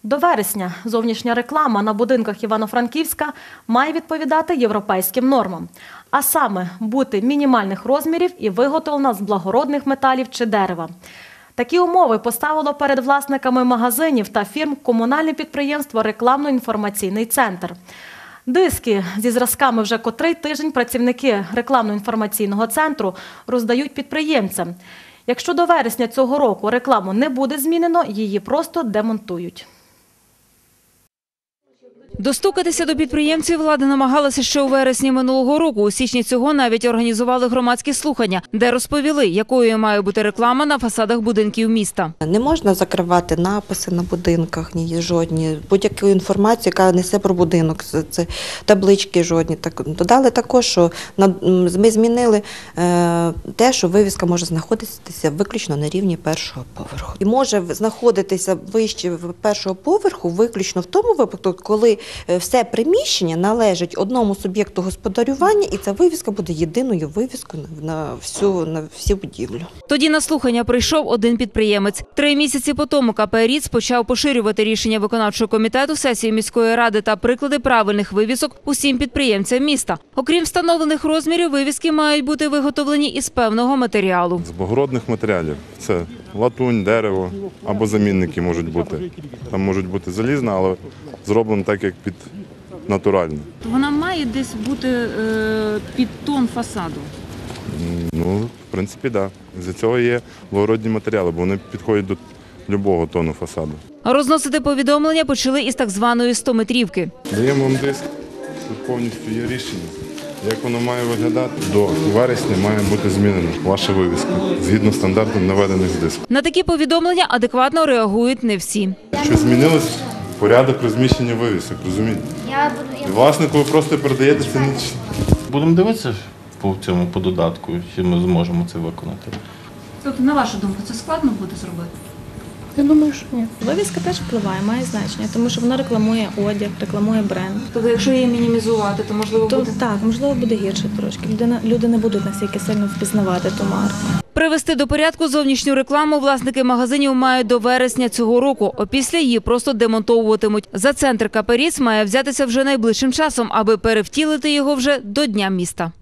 До вересня зовнішня реклама на будинках Івано-Франківська має відповідати європейським нормам. А саме бути мінімальних розмірів і виготовлена з благородних металів чи дерева. Такі умови поставило перед власниками магазинів та фірм комунальне підприємство «Рекламно-інформаційний центр». Диски зі зразками вже котрий тиждень працівники рекламно-інформаційного центру роздають підприємцям. Якщо до вересня цього року рекламу не буде змінено, її просто демонтують. Достукатися до підприємців влада намагалася ще у вересні минулого року. У січні цього навіть організували громадські слухання, де розповіли, якою має бути реклама на фасадах будинків міста. Не можна закривати написи на будинках, ні жодні, будь-яку інформацію, яка несе про будинок, це таблички жодні. Додали також, що ми змінили те, що вивіска може знаходитися виключно на рівні першого поверху. І може знаходитися вище першого поверху виключно в тому випадку, коли все приміщення належить одному суб'єкту господарювання, і ця вивіска буде єдиною вивіскою на всю будівлю. Тоді на слухання прийшов один підприємець. 3 місяці по тому КП «Ріц» почав поширювати рішення виконавчого комітету сесії міської ради та приклади правильних вивісок усім підприємцям міста. Окрім встановлених розмірів, вивіски мають бути виготовлені із певного матеріалу. З благородних матеріалів. Це латунь, дерево або замінники можуть бути. Там можуть бути залізна, але зроблено так, як під натуральне. Вона має десь бути під тон фасаду? Ну, в принципі, так. Да. З-за цього є благородні матеріали, бо вони підходять до будь-якого тону фасаду. Розносити повідомлення почали із так званої 100-метрівки. Даємо вам диск, тут повністю є рішення. Як воно має виглядати? До вересня має бути змінена ваша вивіска, згідно стандартів, наведених з диску. На такі повідомлення адекватно реагують не всі. Що змінилось порядок розміщення вивісок, розумієте? І власнику ви просто передаєте це ніч. Будемо дивитися по додатку, чи ми зможемо це виконати. Тобто, на вашу думку, це складно буде зробити? Я думаю, що ні. Вивіска теж впливає, має значення, тому що вона рекламує одяг, рекламує бренд. Тобто, якщо її мінімізувати, то можливо буде? Так, можливо, буде гірше трошки. Люди не будуть настільки сильно впізнавати ту марку. Привести до порядку зовнішню рекламу власники магазинів мають до вересня цього року. Опісля її просто демонтовуватимуть. За центр КП «Ріц» має взятися вже найближчим часом, аби перевтілити його вже до Дня міста.